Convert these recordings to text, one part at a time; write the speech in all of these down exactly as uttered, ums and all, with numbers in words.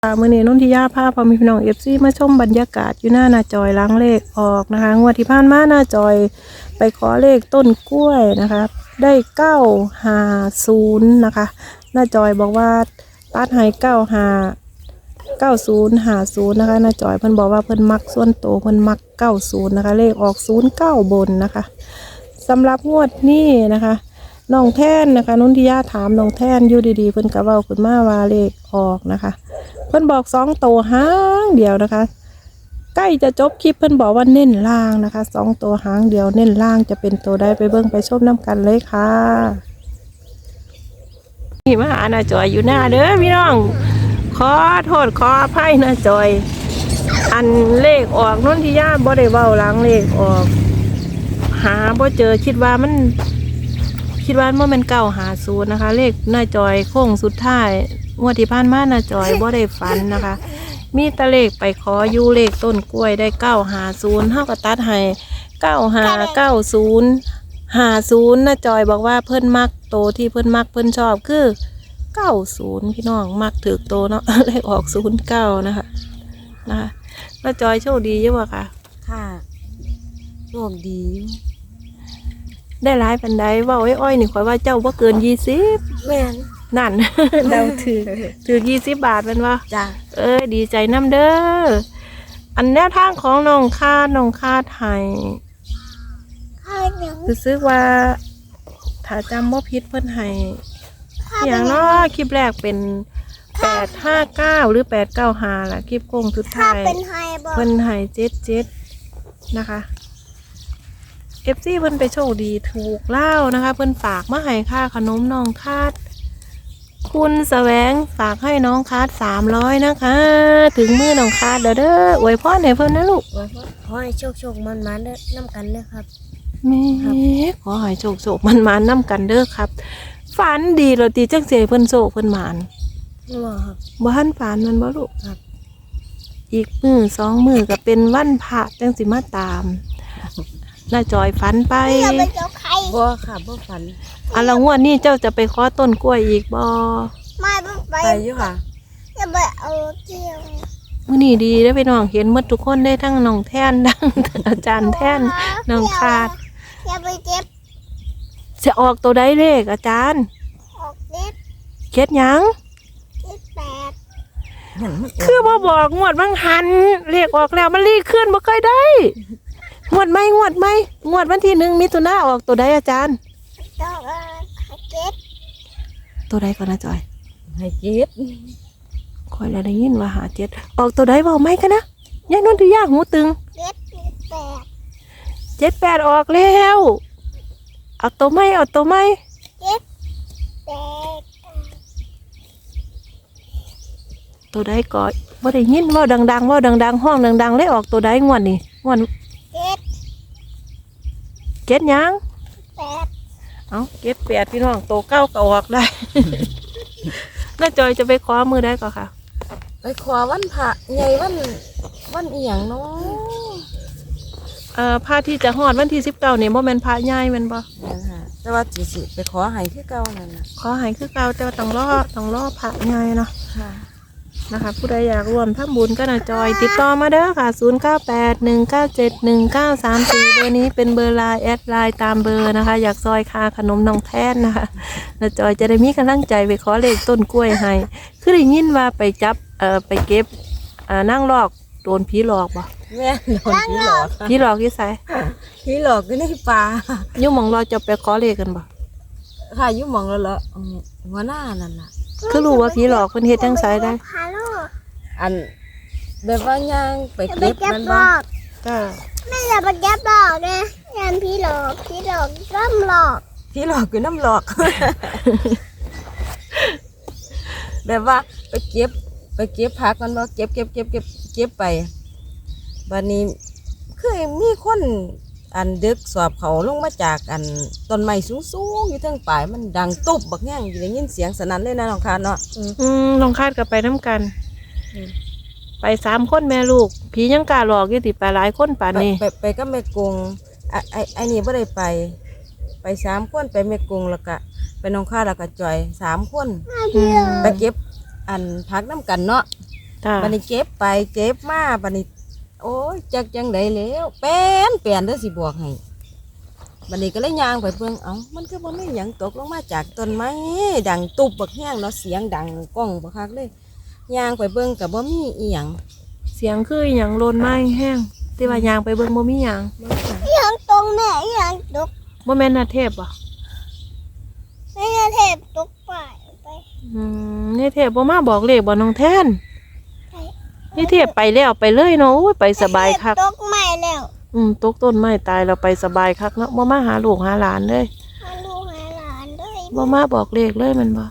มื่อนี้นุ่นทิยาพาพอมีพี่น้องเอฟซีมาชมบรรยากาศอยู่หน้าหน้าจอยล้างเลขออกนะคะงวดที่ผ่านมาหน้าจอยไปขอเลขต้นกล้วยนะคะได้เก้าห้าศูนย์นะคะหน้าจอยบอกว่าตัดให้เก้าห้าเก้าศูนย์ห้าศูนย์นะคะหน้าจอยเพิ่นบอกว่าเพิ่นมักส่วนโตเพิ่นมักเก้าศูนย์นะคะเลขออกศูนย์เก้าบนนะคะสำหรับงวดนี้นะคะน้องแท่นนะคะนุ่นทิยาถามน้องแท่นอยู่ดีๆเพิ่นกะเว้าขึ้นมาว่าเลขออกนะคะเพิ่นบอกสองโตหางเดียวนะคะใกล้จะจบคลิปเพิ่นบอกว่าเน้นล่างนะคะสองโตหางเดียวเน้นล่างจะเป็นโตได้ไปเบิ่งไปชมน้ำกันเลยค่ะนี่มาหาหน้าจอยอยู่หน้าเด้อพี่น้องขอโทษขออภัยหน้าจอยอันเลขออกนุ่นที่ญาติบ่ได้เว้าหลังเลขออกหาบ่เจอคิดว่ามันคิดว่ามันเป็นเก้าหาศูนย์นะคะเลขหน้าจอยโค้งสุดท้ายงวดที่ผ่านมาหน้าจอยบ่ได้ฝันนะคะมีตะเลขไปขออยู่เลขต้นกล้วยได้เก้าหาศูนย์เท่ากับตัดให้เก้าหาเก้าศูนย์หาศูนย์หน้าจอยบอกว่าเพิ่นมักโตที่เพิ่นมักเพิ่นชอบคือเก้าศูนย์พี่น้องมักถือโตเนาะ เลขออกศูนย์เก้านะคะนะคะหน้าจอยโชคดีอยู่บ่ค่ะค่ะโชคดีได้หลายปันใดว่าไอ้อ้อยนี่ข่อยว่าเจ้าบ่เกินยี่สิบแม่นนั่น เดาถือถือยี่สิบบาทเป็นว่าจ้ะเอ้ยดีใจน้ำเด้ออันแนวทางของน้องคาดน้องคาดไห้คือซื้อว่าถ้าจำว่าพิษเพิ่นไห้อย่างน้อคลิปแรกเป็นแปดห้าเก้าหรือแปดเก้าห้าล่ะคลิปโกงสุดท้ายเพิ่นไห้เจ็ดเจ็ดนะคะเอฟซีเพิ่นไปโชคดีถูกเล่านะคะเพิ่นฝากมาให้ค่าขนมน้องคาดคุณแสวงฝากให้น้องคาดสามร้อยนะคะถึงมือน้องคาดเด้อเด้ออวยพรให้เพิ่นนะลูกขอให้โชคโชคมันมันเด้อน้ำกันเด้อครับแม่ขอให้โชคโชคมันมันน้ำกันเด้อครับฝันดีเราตีจังเสียเพิ่นโชคเพิ่นหมานว่าครับบ้านฝันมันบ่ลูกครับอีกมือสองมือก็เป็นวันพระจังสิมาตามน่าจอยฝันไปบ่ค่ะบ่ฝันอ่ะแล้วงวดนี้เจ้าจะไปขอต้นกล้วยอีกบ่ไม่ไปไปอยู่ค่ะจะไปเอาเที่ยวมื้อนี้ดีได้อพี่น้องเห็นหมดทุกคนได้ทั้งน้องแท่นทั้งอาจารย์แท่นน้องคาดจะไปเก็บจะออกตัวใดเลขอาจารย์ออกเก็บเก็ดหยังเก็บแปดคือบ่บอกงวดบางหันเลขออกแล้วมันรีขึ้นบ่เคยได้งวดไหมงวดไหมงวดวันที่หนึ่งมิถุนาออกตัวใดอาจารย์ตัวเก็บตัวใดก่อนนะจอยให้เก็บคอยแล้วได้ยินว่าหาเจ็ดออกตัวใดบอกไหมกันนะยายนนทิยาหูตึงเจ็ดแปดเจ็ดแปดออกแล้วเอาตัวไหมเอาตัวไหมเจ็ดแปดตัวใดก่อนว่าได้ยินว่าดังๆว่าดังๆห้องดังๆเลยออกตัวใดงวดนี่งวดเจ็ดเจ็ดยังแปดเอาเจ็ดแปดพี่น้องโตเก้าก็ออกได้ น้าจอยจะไปขอมือได้ก่อนค่ะไปขอวันพระใหญ่วันวันอีหยังเนาะเอ่อพระที่จะฮอดวันที่สิบเก้าเนี่ยโมเมนพระใหญ่แมันบ่แต่ว่าจีสิไปขอให้คือเก่านั่นน่ะขอให้คือเก่าแต่ว่าต้องรอต้องรอพระใหญ่เนาะนะคะผู้ใดอยากร่วมทำบุญก็น้าจอยติดต่อมาเด้อค่ะศูนย์เก้าแปดหนึ่งเก้าเจ็ดหนึ่งเก้าสามสี่เบอร์นี้เป็นเบอร์ไลน์แอดไลน์ตามเบอร์นะคะอยากซอยคาขนมน้องแท่นนะคะน้าจอยจะได้มีกำลังใจไปขอเลขต้นกล้วยให้คือได้ยินว่าไปจับเอ่อไปเก็บอ่านั่งลอกโดนผีหลอกบ่แม่โดนผีหลอกผีหลอกที่ไสผีหลอกก็ในป่ายุ่งมองเราจะไปขอเลขกันบ่ค่ะยุ่งมองแล้วเหรอหัวหน้านั่นน่ะคือรู้ว่าผีหลอกเพิ่นเฮ็ดจังไสได้อันแบบว่าย่างไปเก็บมันบ่จ้าไม่อยากไปเก็บหลอกไงยามผีหลอกผีหลอกน้ำหลอกผีหลอกคือน้ำหลอก แบบว่าไปเก็บไปเก็บผักมันบ่เก็บเก็บเก็บเก็บเก็บไปบัดนี้คือมีคนอันดึกสอบเขาลงมาจากอันต้นไม้สูงๆอยู่ทางปลายมันดังตุ๊บบักแง่งได้ยินเสียงสนั่นเลยนะน้องคาดเนาะอืมน้องคาดก็ไปน้ำกันไปสามคนแม่ลูกผียังกล้าหลอกอยู่ติไปหลายคนป่านนี้ไปไปก็แม่กงไอ้ไอ้ไอ้นี่ไม่ได้ไปไปสามคนไปแม่กงแล้วก็ไปน้องคาดแล้วก็จอยสามคนไปเก็บอันพักน้ำกันเนาะจ้าบัดนี้เก็บไปเก็บมาบัดนี้โอ้ยจักจังไดแล้วเป็นเปลี่ยนเด้อสิบอกให้บัดนี้ก็เลยย่างไปเบิ่งเอ้ามันคือบ่มีหยังตกลงมาจากต้นไม้ดังตุบบักแห้งเนาะเสียงดังก้องบักคักเลยย่างไปเบิ่งก็บ่มีอีหยังเสียงคืออหย่างโลนไม้แห้งที่ว่ายางไปเบิ่งบ่มีหยังยังตรงแม่ยังตกบ่แม่นนาเทพบ่ไม่ได้เทพตกไปไปอืมนี่เทพบ่มาบอกเลขบ่น้องแท่นนี่เทพไปแล้วไปเลยเนาะโอ้ยไปสบายคักตกใหม่แล้วอืมตกต้นไม้ตายเราไปสบายคักเนาะบ่มาหาลูกหาหลานเลยมาดูหาหลานด้วยบ่มาบอกเลขเลยแมันบ่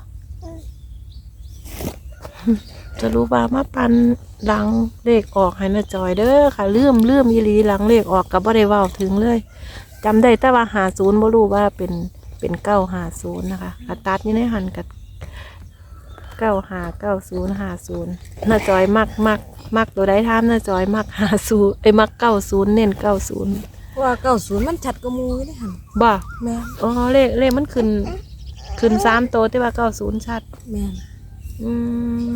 จะรู้ว่ามาปันหลังเลขออกให้นาจอยเด้อค่ะลืมลืมอีหลีหลังเลขออกก็บ่ได้เว้าถึงเลยจำได้แต่ว่าห้าสิบบ่รู้ว่าเป็นเป็นเก้าห้าศูนย์นะคะกระตัดนี่ในหันกับเก้าห้าเก้าศูนย์ห้าศูนย์นาจอยมักมักมักตัวใดถามนาจอยมักห้าศูนย์ไอ้ยมักเก้าศูนย์เน้นเก้าศูนย์เพราะว่าเก้าศูนย์มันชัดกว่าหมู่เลยหั่นบ่แม่นอ๋อเลขเลขมันขึ้นขึ้นสามตัวแต่ว่าเก้าศูนย์ชัดแม่นอืม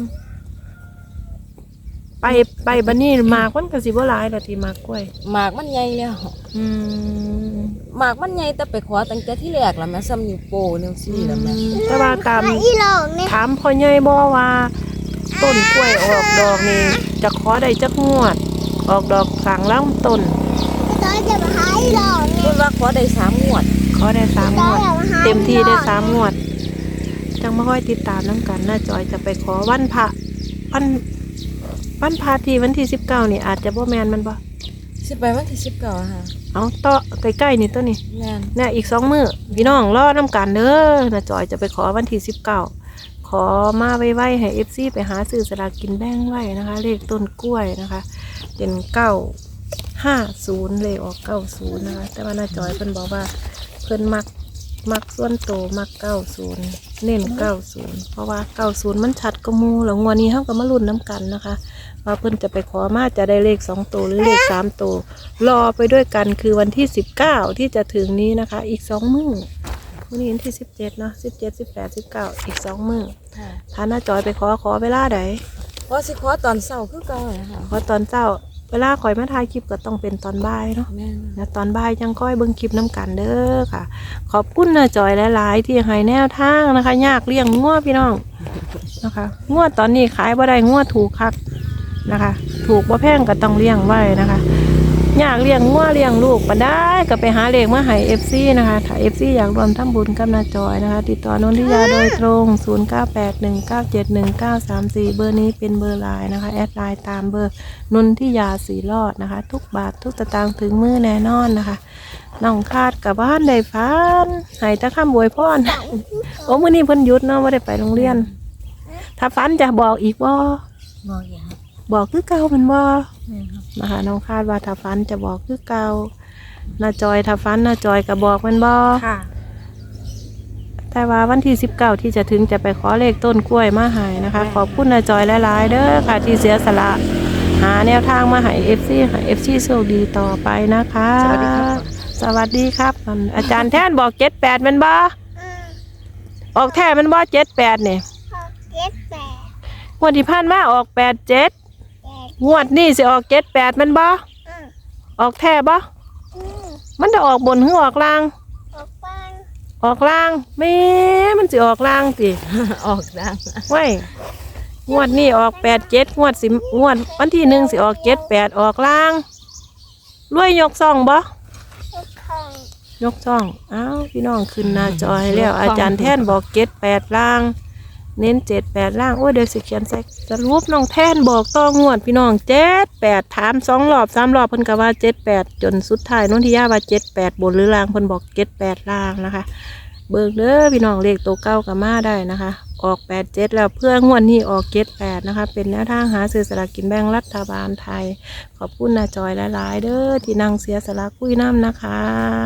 ไปไปบันนี้หมากมันก็สิบ่หลายดอกที่หมากกล้วยหมากมันใหญ่แล้วอืมหมากมันใหญ่แต่ไปขอตั้งแต่ที่แรกแล้วแม่ซ้ำนิ้วโป้นิ้วซี่แล้วแม่แต่ว่าตามหาอีหลอกเนี่ยถามพ่อใหญ่บ่ว่าต้นกล้วยออกดอกนี่จะขอได้จักงวด ออกดอกกลางลำต้นก็ต้องจะมาหาอีหลอกเนี่ยเพิ่นว่าขอได้สามงวดขอได้สามงต้องวดจะมาหาเต็มที่ได้สามงวด จังมาค่อยติดตามน้ำกันน้าจอยจะไปขอวันพระวันวันพระที่วันที่สิบเก้านี่อาจจะบ่แมนมันบ่สิไปวันที่สิบเก้าอะค่ะเอาต่อใกล้ๆนี่ตัวนี้แม่นเนี่ยอีกสองมือพี่น้องรอน้ำกันเด้อน้าจอยจะไปขอวันที่สิบเก้าขอมาไว้ๆให้เอฟซีไปหาซื้อสลากกินแบ่งไว้นะคะ เลขต้นกล้วยนะคะเป็นเก้าห้าศูนย์เลขออกเก้าศูนย์นะคะแต่ว่าน้าจอยเพิ่นบอกว่าเพิ่นมักมักส่วนโตมักเก้าศูนย์เน้นเก้าศูนย์เพราะว่าเก้าศูนย์มันชัดก็มูแล้วงวดนี้เฮาก็มาลุ้นน้ำกันนะคะว่าเพิ่นจะไปขอมาจะได้เลขสองตัวหรือเลขสามตัวรอไปด้วยกันคือวันที่สิบเก้าที่จะถึงนี้นะคะ อีกสองมื้อพรุ่งนี้วันที่สิบเจ็ดเนาะสิบเจ็ดสิบแปดสิบเก้าอีกสองมื้อค่ะถ้าน้าจอยไปขอขอเวลาใดเพราะสิขอตอนเช้าคือเก่าอะค่ะขอตอนเช้าเวลาคอยมาถ่ายคลิปก็ต้องเป็นตอนบ่ายเนาะแม่นแล้วตอนบ่ายยังค่อยเบิ่งคลิปน้ำกันเด้อค่ะ ขอบคุณนะจอยหลายๆที่ให้แนวทางนะคะ ยากเลี้ยงงัวพี่น้องนะคะงัวตอนนี้ขายบ่ได้งัวถูกคักนะคะ ถูกบ่แพงก็ต้องเลี้ยงไว้นะคะยากเลี้ยงงัวเลี้ยงลูกบ่ได้ก็ไปหาเลขมาให้ เอฟ ซี นะคะถ้า เอฟ ซี อยากรวมทำบุญกับนาจอยนะคะ ติดต่อนนทิยาโดยตรงศูนย์ เก้า แปด หนึ่ง เก้า เจ็ด หนึ่ง เก้า สาม สี่เบอร์นี้เป็นเบอร์ไลน์นะคะแอดไลน์ตามเบอร์นนทิยาสีรอดนะคะ ทุกบาททุกสตางค์ถึงมือแน่นอนนะคะน้องคาดกับบ้านได้ฟันให้ตะข้ามบวยพ่อนโอ้มื้อนี้เพิ่นหยุดเนาะบ่ได้ไปโรงเรียน ถ้าฟันจะบอกอีกบ่บ่อยากบอกคือเก่ามันบ่แม่นครับนะคะน้องคาดว่าถ้าฟันจะบอกคือเก่านาจอยถ้าฟันนาจอยก็บอกมันบ่ค่ะแต่ว่าวันที่สิบเก้าที่จะถึงจะไปขอเลขต้นกล้วยมาให้นะคะ ขอบคุณนาจอยหลายๆเด้อค่ะที่เสียสละหาแนวทางมาให้ เอฟ ซี ให้ เอฟ ซี โชคดีต่อไปนะคะสวัสดีครับสวัสดีครับอันอาจารย์แท่นบอกเจ็ดแปดมันบ่อืมออกแท่มันบ่เจ็ดแปดเนี่ยหกเจ็ดแปดงวดที่ผ่านมาออกแปดเจ็ดแปดงวดนี่สิออกเจ็ดแปดมันบ่อืมออกแท่บ่อืมมันจะออกบนหรือออกล่างออกบ้านออกล่างแม่มันสิออกล่างสิออกดังไว้งวดนี่ออกแปดเจ็ดงวดสิงวดวันที่หนึ่งสิออกเจ็ดแปดออกล่างรวยยกซ่องบ่ทุกห้องยกซ่องอ้าวพี่น้องขึ้นหน้าจอให้แล้ว อาจารย์แท่นบอกเจ็ดแปดล่าง เน้นเจ็ดแปดล่างโอ้ยเดี๋ยวสิเขียนใส่สรุปน้องแท่นบอกต้องงวดพี่น้องเจ็ดแปดถามสองรอบสามรอบเพิ่นก็ว่าเจ็ดแปดจนสุดท้ายน้องทิยาว่าเจ็ดแปดบนหรือล่างเพิ่นบอกเจ็ดแปดล่างนะคะ เบิกเด้อพี่น้องเลขตัวเก้ากับมาได้นะคะ ออกแปดเจ็ดแล้วเพื่องวดนี้ออกเจ็ดแปดนะคะ เป็นแนวทางหาซื้อสลากกินแบ่งรัฐบาลไทย ขอบคุณนาจอยหลายๆเด้อที่นั่งเสียสละคุยน้ำนะคะ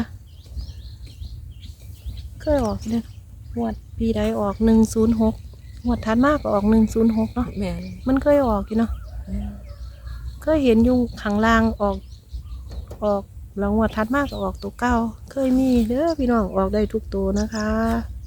เคยออกเนี่ยงวดปีใดออกหนึ่งศูนย์หกงวดทัดมากก็ออกหนึ่งศูนย์หกเนาะแม่นมันเคยออกอยู่เนาะแม่นเคยเห็นอยู่ข้างล่างออกออกแล้วงวดทัดมากก็ออกตัวเก้าเคยมีเด้อพี่น้องออกได้ทุกตัวนะคะ